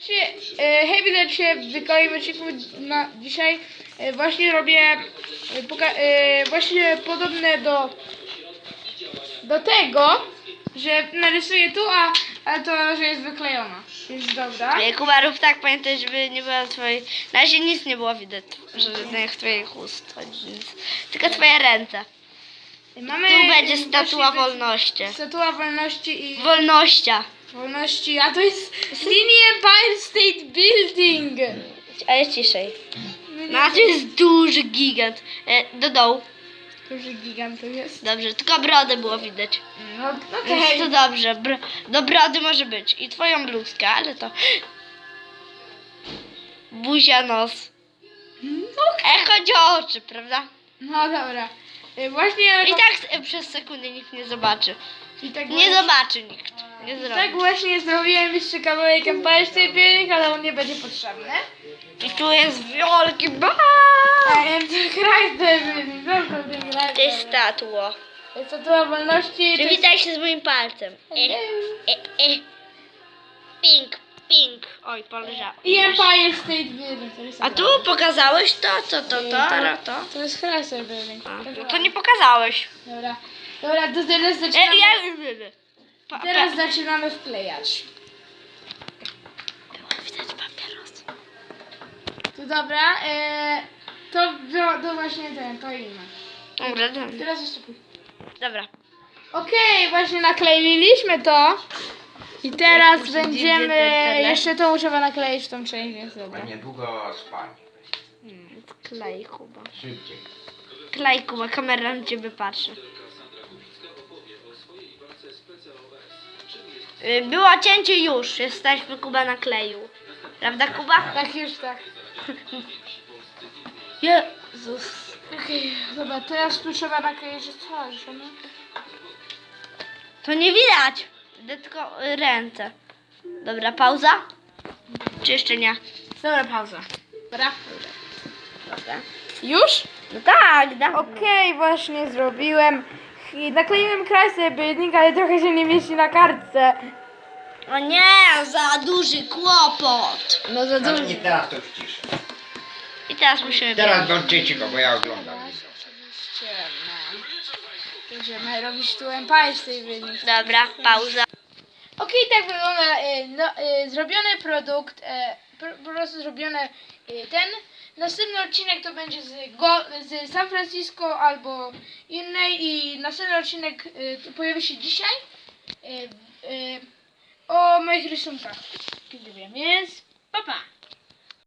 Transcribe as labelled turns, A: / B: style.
A: Hej, witajcie w kolejnym odcinku dzisiaj. Właśnie robię właśnie podobne do tego, że narysuję tu, a to, że jest wyklejona. Jest dobra.
B: Kuba, rób tak, pamiętaj, żeby nie było twojej... Na razie nic nie było widać, że twoich ust chodzi, nic. Tylko twoje ręce.
A: Mamy
B: Tu będzie
A: właśnie
B: statua wolności.
A: Statua wolności i...
B: Wolności,
A: a to jest Mini Empire State Building.
B: ale ciszej. No, a tu jest duży gigant. Do dołu.
A: Duży gigant to jest.
B: Dobrze, tylko brodę było widać.
A: No
B: Więc
A: okej.
B: to dobrze. Do brody może być. I twoją bluzkę, ale to... Buzia, nos. Chodzi o oczy, prawda?
A: No dobra. Właśnie...
B: I tak przez sekundę nikt nie zobaczy.
A: I tak
B: Nie
A: właśnie-
B: zobaczy nikt. Nie zrobi.
A: Tak właśnie zrobiłem jeszcze kawałek Empire State Building, ale on nie będzie potrzebny.
B: I tu jest wielki bar. To jest statuo.
A: Statua wolności.
B: Przywitaj się z moim palcem. Pink, pink. Oj, polżało.
A: I Empire State Building. To jest
B: A tu pokazałeś to? Co to?
A: To jest Empire State Building.
B: No to nie pokazałeś.
A: Dobra. Dobra, to teraz zaczynamy.
B: Ja
A: Teraz zaczynamy wklejać.
B: Było widać papieros.
A: To dobra, to właśnie to inne.
B: Dobra.
A: Teraz jeszcze pójdę.
B: Dobra.
A: Okej, właśnie nakleiliśmy to. I teraz
B: muszę
A: będziemy...
B: dziś
A: Jeszcze to muszę nakleić w tą część, więc dobra.
C: A niedługo spanie.
B: Klej, Kuba.
C: Szybciej.
B: Klej, Kuba. Kamera na ciebie patrzy. Było cięcie już. Jesteśmy, Kuba nakleił. Prawda, Kuba?
A: Tak, już tak.
B: Jezus.
A: Okej, dobra, teraz tu trzeba nakleić coś, no.
B: To nie widać. Widzę tylko ręce. Dobra, pauza? Czy jeszcze nie?
A: Dobra, pauza. Dobra.
B: Dobra.
A: Już?
B: No tak, da.
A: Okej, właśnie zrobiłem. I nakleiłem Chrysler Building, ale trochę się nie mieści na kartce.
B: O nie, za duży kłopot.
A: No za
C: Ale nie teraz, to już ciszę.
B: I teraz musimy...
C: Teraz bądźcie cicho, bo ja oglądam.
A: Oczywiście, no. Będziemy robić tu Empire State Building.
B: Dobra, pauza.
A: Okej, tak wygląda zrobiony produkt, po prostu zrobiony ten. Następny odcinek to będzie z San Francisco albo innej i następny odcinek pojawi się dzisiaj o moich rysunkach. Kiedy wiem, więc pa pa!